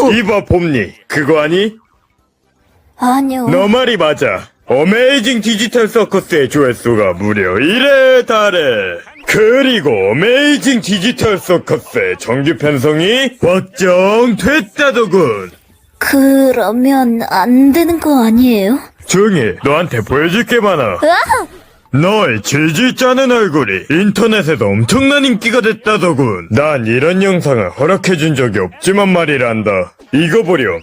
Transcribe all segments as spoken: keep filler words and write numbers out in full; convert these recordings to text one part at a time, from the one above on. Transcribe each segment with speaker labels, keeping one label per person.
Speaker 1: 이봐 봄니, 그거 아니?
Speaker 2: 아니요.
Speaker 1: 너 말이 맞아. 어메이징 디지털 서커스의 조회수가 무려 일에 달해. 그리고 어메이징 디지털 서커스의 정규 편성이 확정됐다더군.
Speaker 2: 그러면 안 되는 거 아니에요?
Speaker 1: 조용히 해. 너한테 보여줄 게 많아.
Speaker 2: 아!
Speaker 1: 너의 질질 짜는 얼굴이 인터넷에도 엄청난 인기가 됐다더군. 난 이런 영상을 허락해준 적이 없지만 말이란다. 이거 보렴.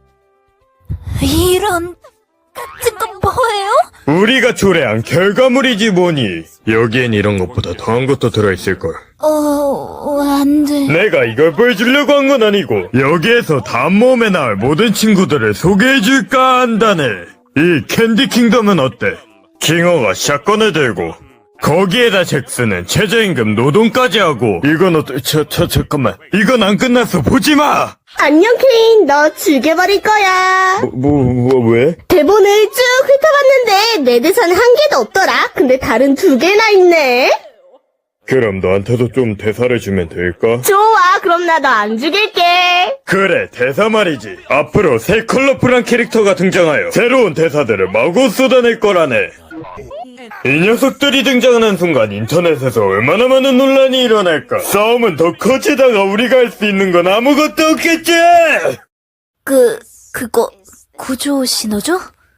Speaker 2: 이런 같은 건 뭐예요?
Speaker 1: 우리가 초래한 결과물이지 뭐니. 여기엔 이런 것보다 더한 것도 들어있을걸.
Speaker 2: 어, 안 돼.
Speaker 1: 내가 이걸 보여주려고 한 건 아니고 여기에서 다음 모험에 나올 모든 친구들을 소개해줄까 한다네. 이 캔디 킹덤은 어때? 킹어가 샷건을 들고 거기에다 잭스는 최저임금 노동까지 하고. 이건 어때? 저, 저, 잠깐만, 이건 안 끝났어. 보지마.
Speaker 3: 안녕 케인, 너 죽여버릴 거야.
Speaker 1: 뭐, 뭐, 왜?
Speaker 3: 대본을 쭉 훑어봤는데 내 대사는 한 개도 없더라. 근데 다른 두 개나 있네.
Speaker 1: 그럼 너한테도 좀 대사를 주면 될까?
Speaker 3: 좋아, 그럼 나 너 안 죽일게.
Speaker 1: 그래, 대사 말이지. 앞으로 새 컬러풀한 캐릭터가 등장하여 새로운 대사들을 마구 쏟아낼 거라네. 이 녀석들이 등장하는 순간 인터넷에서 얼마나 많은 논란이 일어날까. 싸움은 더 커지다가 우리가 할 수 있는 건 아무것도 없겠지.
Speaker 2: 그, 그거, 구조 신호죠?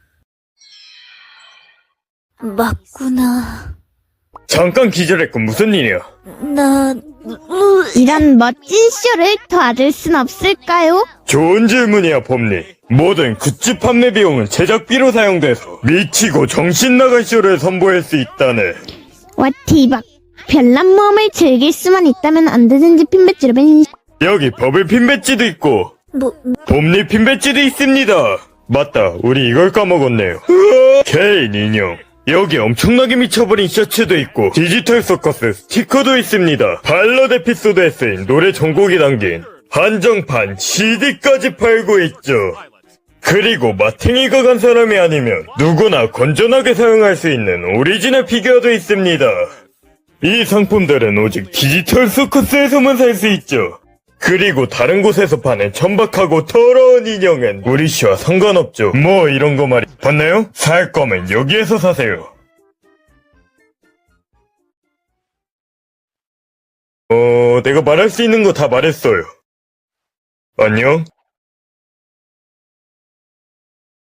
Speaker 2: 맞구나.
Speaker 1: 잠깐 기절했군. 무슨 일이야?
Speaker 2: 나, 루,
Speaker 3: 이런 멋진 쇼를 도와줄 순 없을까요?
Speaker 1: 좋은 질문이야, 봄니. 모든 굿즈 판매 비용은 제작비로 사용돼서 미치고 정신 나갈 쇼를 선보일 수 있다네.
Speaker 3: 와, 대박. 별난 모험을 즐길 수만 있다면 언제든지 핀배지로 벤...
Speaker 1: 여기 버블 핀 배지도 있고
Speaker 2: 뭐,
Speaker 1: 봄니 핀 배지도 있습니다. 맞다, 우리 이걸 까먹었네요. 개인 인형. 여기 엄청나게 미쳐버린 셔츠도 있고 디지털 서커스 스티커도 있습니다. 발럿 에피소드에 쓰인 노래 전곡이 담긴 한정판 씨디까지 팔고 있죠. 그리고 마탱이가 간 사람이 아니면 누구나 건전하게 사용할 수 있는 오리지널 피규어도 있습니다. 이 상품들은 오직 디지털 서커스에서만 살 수 있죠. 그리고 다른 곳에서 파는 천박하고 더러운 인형은 우리 씨와 상관없죠. 뭐 이런 거 말이 봤나요? 살 거면 여기에서 사세요. 어, 내가 말할 수 있는 거 다 말했어요. 안녕?